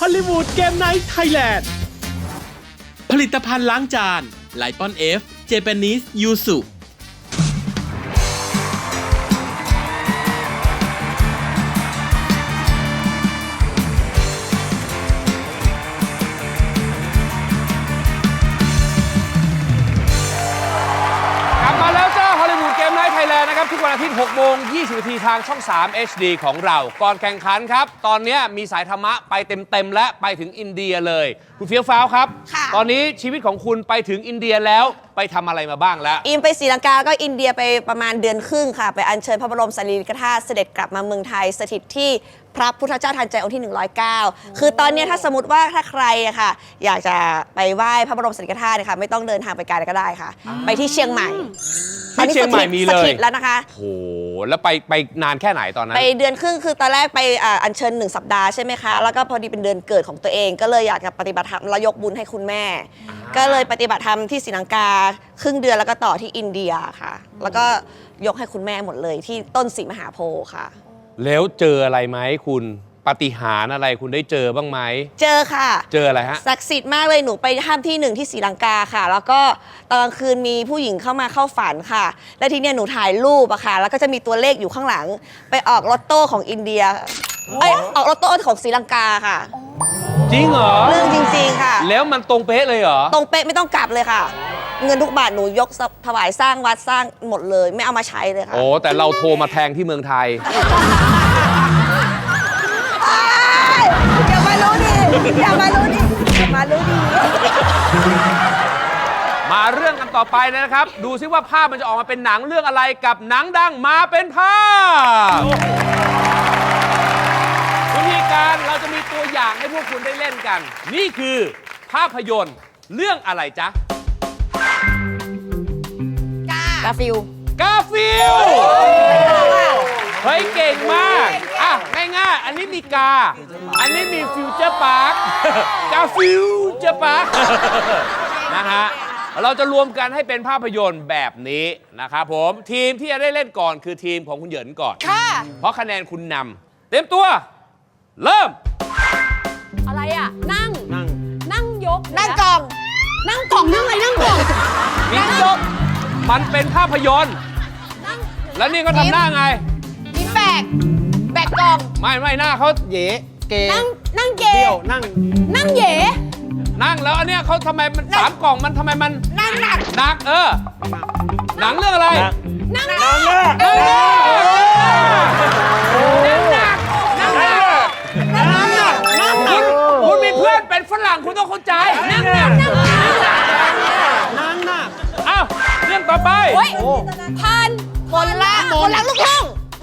ลลีวูดเกมไนท์ไทยแลนด์ผลิตภัณฑ์ล้างจานไลปอนFเจแปนิสยูสุนะครับทุกวันอาทิตย์ 6 โมง 20 นาทีทางช่อง 3 HD ของเรา ก่อนแข่งขันครับ ตอนนี้มีสายธรรมะไปเต็มๆและไปถึงอินเดียเลย คุณเฟี้ยวฟ้าวครับ ตอนนี้ชีวิตของคุณไปถึงอินเดียแล้วไปทำอะไรมาบ้างแล้วอิมไปศรีลังกาก็อินเดียไปประมาณเดือนครึ่งค่ะไปอัญเชิญพระบรมสารีริกธาตุเสด็จกลับมาเมืองไทยสถิตที่พระพุทธเจ้าทันใจองค์ที่ 109 คือตอนนี้ถ้าสมมติว่าถ้าใครอะค่ะอยากจะไปไหว้พระบรมสารีริกธาตุค่ะไม่ต้องเดินทางไปไกลก็ได้ค่ะไปที่เชียงใหม่ที่เชียงใหม่มีเลยสถิตแล้วนะคะโอ้แล้วไปนานแค่ไหนตอนนั้นไปเดือนครึ่งคือตอนแรกไปอัญเชิญ1 สัปดาห์ใช่ไหมคะแล้วก็พอดีเป็นเดือนเกิดของตัวเองก็เลยอยากจะปฏิบัติธรรมแล้วยกบุญให้คุณแม่ก็เลยปฏิบัติธรรมที่ศรีลังกาครึ่งเดือนแล้วก็ต่อที่อินเดียค่ะแล้วก็ยกให้คุณแม่หมดเลยที่ต้นศรีมหาโพธิ์ค่ะแล้วเจออะไรไหมคุณปาฏิหาริย์อะไรคุณได้เจอบ้างไหมเจอค่ะเจออะไรฮะศักดิ์สิทธิ์มากเลยหนูไปถ้ำที่1ที่ศรีลังกาค่ะแล้วก็ตอนกลางคืนมีผู้หญิงเข้ามาเข้าฝันค่ะแล้วทีเนี้ยหนูถ่ายรูปอะค่ะแล้วก็จะมีตัวเลขอยู่ข้างหลังไปออกลอตโต้ของอินเดียออกลอตโต้ของศรีลังกาค่ะจริงเหรอเรื่องจริงๆค่ะแล้วมันตรงเป๊ะเลยเหรอตรงเป๊ะไม่ต้องกลับเลยค่ะเงินทุกบาทหนูยกถวายสร้างวัดสร้างหมดเลยไม่เอามาใช้เลยค่ะโอ้แต่เราโทรมาแทงที่เมืองไทยอย่ามารู้ดิอย่ามารู้ดิอย่ามารู้ดิมาเรื่องกันต่อไปนะครับดูซิว่าภาพมันจะออกมาเป็นหนังเรื่องอะไรกับหนังดังมาเป็นภาพวิธีการเราจะมีตัวอย่างให้พวกคุณได้เล่นกันนี่คือภาพยนตร์เรื่องอะไรจ๊ะกาฟิลเฮ้ยเก่งมากอ่ะง่ายๆอันนี้มีกาอันนี้มีฟิวเจอร์พาร์คกาฟิวเจอร์พาร์คนะฮะเราจะรวมกันให้เป็นภาพยนตร์แบบนี้นะครับผมทีมที่จะได้เล่นก่อนคือทีมของคุณเหยินก่อนค่ะเพราะคะแนนคุณนำเตรียมตัวเริ่มอะไรอ่ะนั่งยกนั่งกล่องนั่งอะไรนั่งกล่องนั่งยกมันเป็นภาพยนตร์แล้วนี่ก็ทำหน้าไงมีแบกกล่องไม่หน้าเขาเย่เกนั่งเกเดี่ยวนั่งเย่นั่งแล้วอันเนี้ยเขาทำไมมัน3 กล่องมันทำไมมันนั่งหนักหนังเรื่องอะไรนั่งคุณมีเพื่อนเป็นฝรั่งคุณต้องเข้าใจนั่งอ้าวเรื่องต่อไปคนละลูกทุ่ง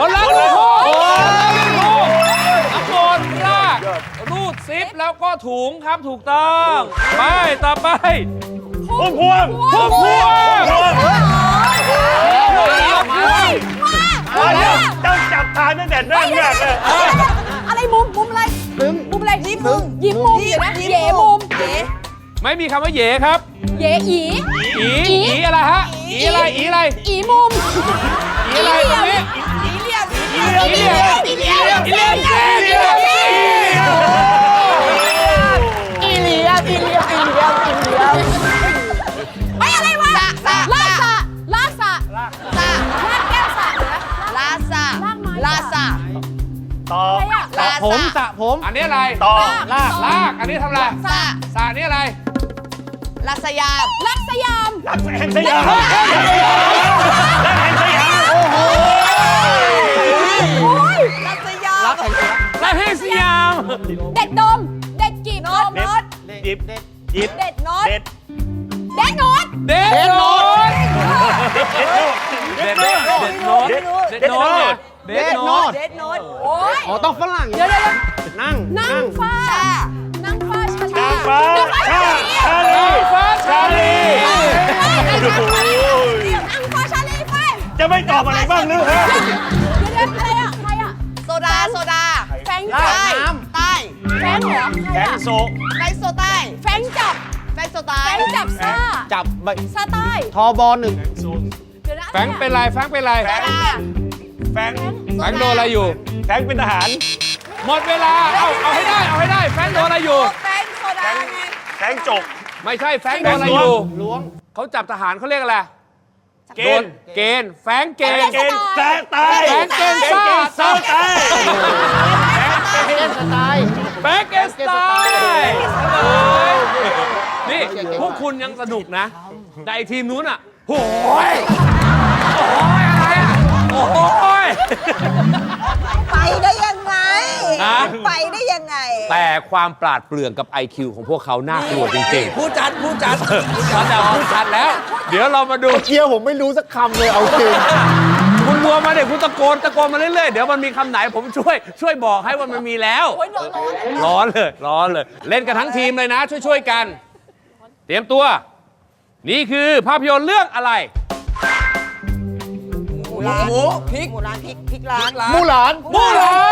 น้ำมนต์ลากรูดซิปแล้วก็ถุงครับถูกต้องไปต่อไปพุ่มพวงต้องจับทางตั้งแต่นั่งแรกเลยอะไรมุมอะไรมุมอะไรยิ้มมุมเดี๋ยวนะเย่มุมไม่มีคำว่าเย่ครับเย่อีอะไรฮะอีอะไรอีมุมอะไรตรงนี้อีเลียมไม่อะไรวะลากแก้วสะลาซาต่อสระผมอันนี้อะไรต่อลากอันนี้ทำอะไรสระนี่อะไรลักสยามรักแห่งสยามโอ้โหลักสยามเด็ดดมเด็ดกีบโน้ตหยิบเด็ดโน้ตโอ้ยต้องฝรั่งเดี๋ยวนั่งฟ้าชาลีจะไม่ตอบอะไรบ้างหรือฮะเดี๋ยวอะไรอ่ะใครอ่ะโซดาแฟงใต้แฟงเหรอแฟงโซใต้แฟงจับซ่าจับซ่าใต้ทบ1แฟงเป็นไรแฟงโดนอะไรอยู่แฟงเป็นทหารหมดเวลาเอาให้ได้แฟงโดนอะไรอยู่งจกไม่ใช่แฟงโดนอะไรอยู่ล้วงเขาจับทหารเขาเรียกอะไรเกณฑ์เกณฑ์แฟงเกณฑ์เกณฑ์แตกตายแฟงเกณฑ์ซ่าซ่าตายแฟงเกณฑ์สไตล์นี่พวกคุณยังสนุกนะแต่ไอทีมนู้นอ่ะโอ้ยอะไรอ่ะโอ้ยไปได้ยังไงฮะไปได้ยังไงแต่ความปราดเปรื่องกับ IQ ของพวกเขาน่ากลัวจริงๆผู้จัดเขาแต่พูดชัดแล้ว เดี๋ยวเรามาดูเกียวผมไม่รู้สักคำเลยเอาจริงคุณรวมมาเดี๋ยวคุณตะโกนมาเรื่อยๆ เดี๋ยวมันมีคำไหนผมช่วยบอกให้ว่ามันมีแล้ว ร้อนเลย เล่นกันทั้งทีมเลยนะ ช่วยกัน เตรียมตัว นี่คือภาพยนตร์เรื่องอะไรหมูพริกหมูร้านพริกร้านมูหลานมู่หลาน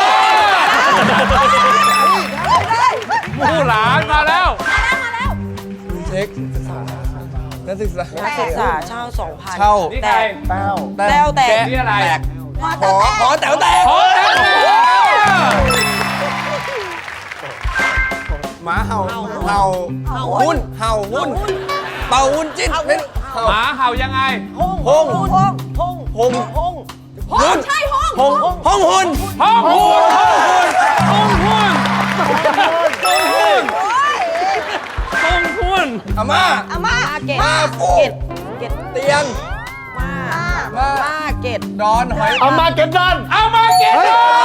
มู่หลานมาแล้วเช็คนักศึกษานักศึกษาเช่า 2,000 เช่านี่ใครแต้วแต้วแตกนี่อะไรขอแต๋วแตกโอ้แตงโมหมาเห่าหุ้นเห่าหุ้นเป่าหุ้นจิ้นเป็นหมาเห่ายังไงหงหุ้นห้องหุ่นห้องหุ่นอาม่าอาม่าเกตมาฟูเกตเตียงมาเกตดอนหอยอาม่าเก็ตดอนเอามาเก็ต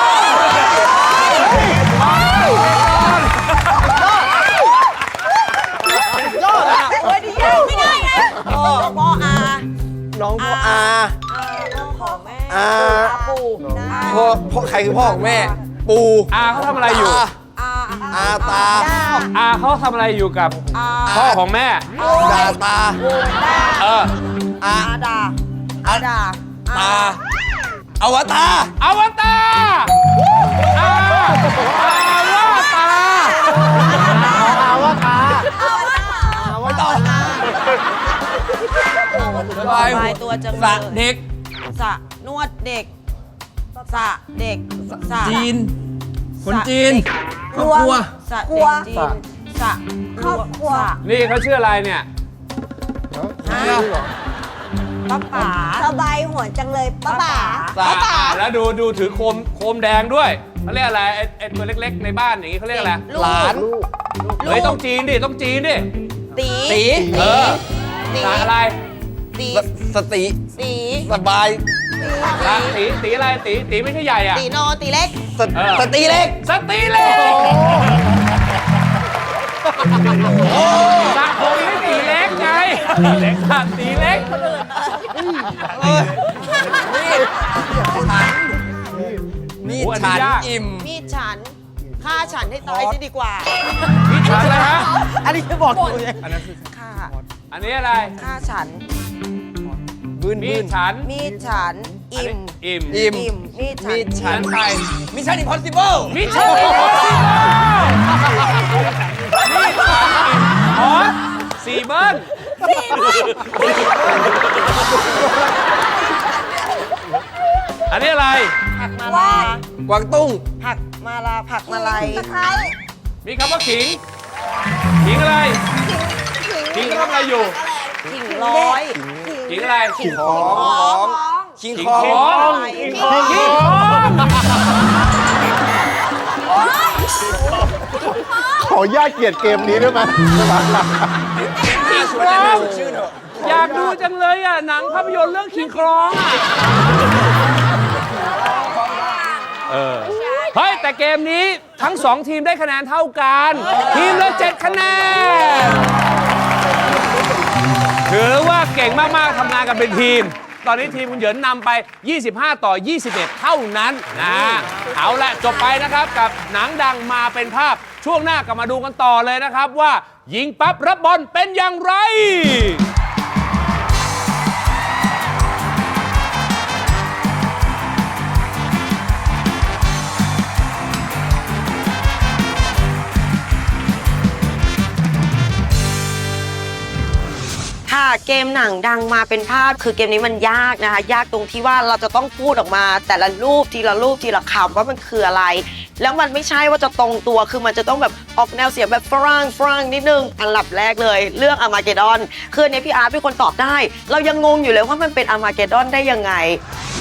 ไม่ได้ไงพ่ออาน้องพ่ออาพ่อของแม่อาปู่พ่อใครคือพ่อของแม่ ปู่อาเขาทำอะไรอยู่อาตาอาเขาทำอะไรอยู่กับพ่อของแม่ดาตาเอออาอาดาตาอวตารอวตารอาว่าตาไม่ต้องสบายตัวจังสระเด็กสระนวดเด็กสระเด็กสระจีน คนจีนครอบครัวสระเด็กจีนสระครอบครัวนี่เขาชื่ออะไรเนี่ยป้าป๋าสบายหัวจังเลยป้าป๋าแล้วดูถือโคมแดงด้วยเขาเรียกอะไรไอ้ตัวเล็กๆในบ้านอย่างงี้เขาเรียกอะไรหลานเฮ้ยต้องจีนดิตีตีเออตีสาอะไรตีสติตีสบายสาตีอะไรตีไม่ใช่ใหญ่อะตีโนตีเล็กสติเล็กสตีเล็กสาผมไม่ตีเล็กไงสาตีเล็กนี่โอ้อันนี้ฉันยากอิ่มมีดฉันฆ่าฉันให้ตายจะดีกว่าพี่ฉันอะไรฮะอันนี้จะบอกอยู่เลยฆ่าอันนี้อะไรฆ่าฉันบืนมีบืนฉันมีดฉันอิ่มอิ่มอิ่มอิ่มมีดฉัมีนฉันไปมิชชั่นอิมพอสซิเบิลมิชชั่นอิมพอสซิเบิลนี่ฉันอิ่มฮอตสี่เบิ้ลอันนี้อะไรผักมาลากวางตุ้งผักมาลาผักมาลัยตะไคร้มีคำว่าขิง ขิงอะไร ขิงเขาทำอะไรอยู่ขิงร้อยขิงอะไรขิงของขิงขขออง งขิงของขอญาตเกลียดเกมนี้ได้ไหมขิงของชื่อเถอะอยากดูจังเลยอ่ะ หนังภาพยนตร์เรื่องขิงครองอ่ะเฮ้ย แต่เกมนี้ทั้ง 2 ทีมได้คะแนนเท่ากัน ทีมละ 7 คะแนน ถือว่าเก่งมาก ๆ ทำงานกันเป็นทีม ตอนนี้ทีมคุณเหยินนำไป 25 ต่อ 21 เท่านั้นนะเอาละจบไปนะครับกับหนังดังมาเป็นภาพ ช่วงหน้ากลับมาดูกันต่อเลยนะครับว่ายิงปั๊บรับบอลเป็นอย่างไรค่ะเกมหนังดังมาเป็นภาพคือเกมนี้มันยากนะคะ ยากตรงที่ว่าเราจะต้องพูดออกมา แต่ละรูปทีละคำว่ามันคืออะไรแล้วมันไม่ใช่ว่าจะตรงตัวคือมันจะต้องแบบออกแนวเสียงแบบฝรั่งนิดนึงอันดับแรกเลยเรื่องอาร์มาเกดดอนคืออันนี้พี่อาร์ตเป็นคนตอบได้ เรายังงงอยู่เลยว่ามันเป็นอาร์มาเกดดอนได้ยังไง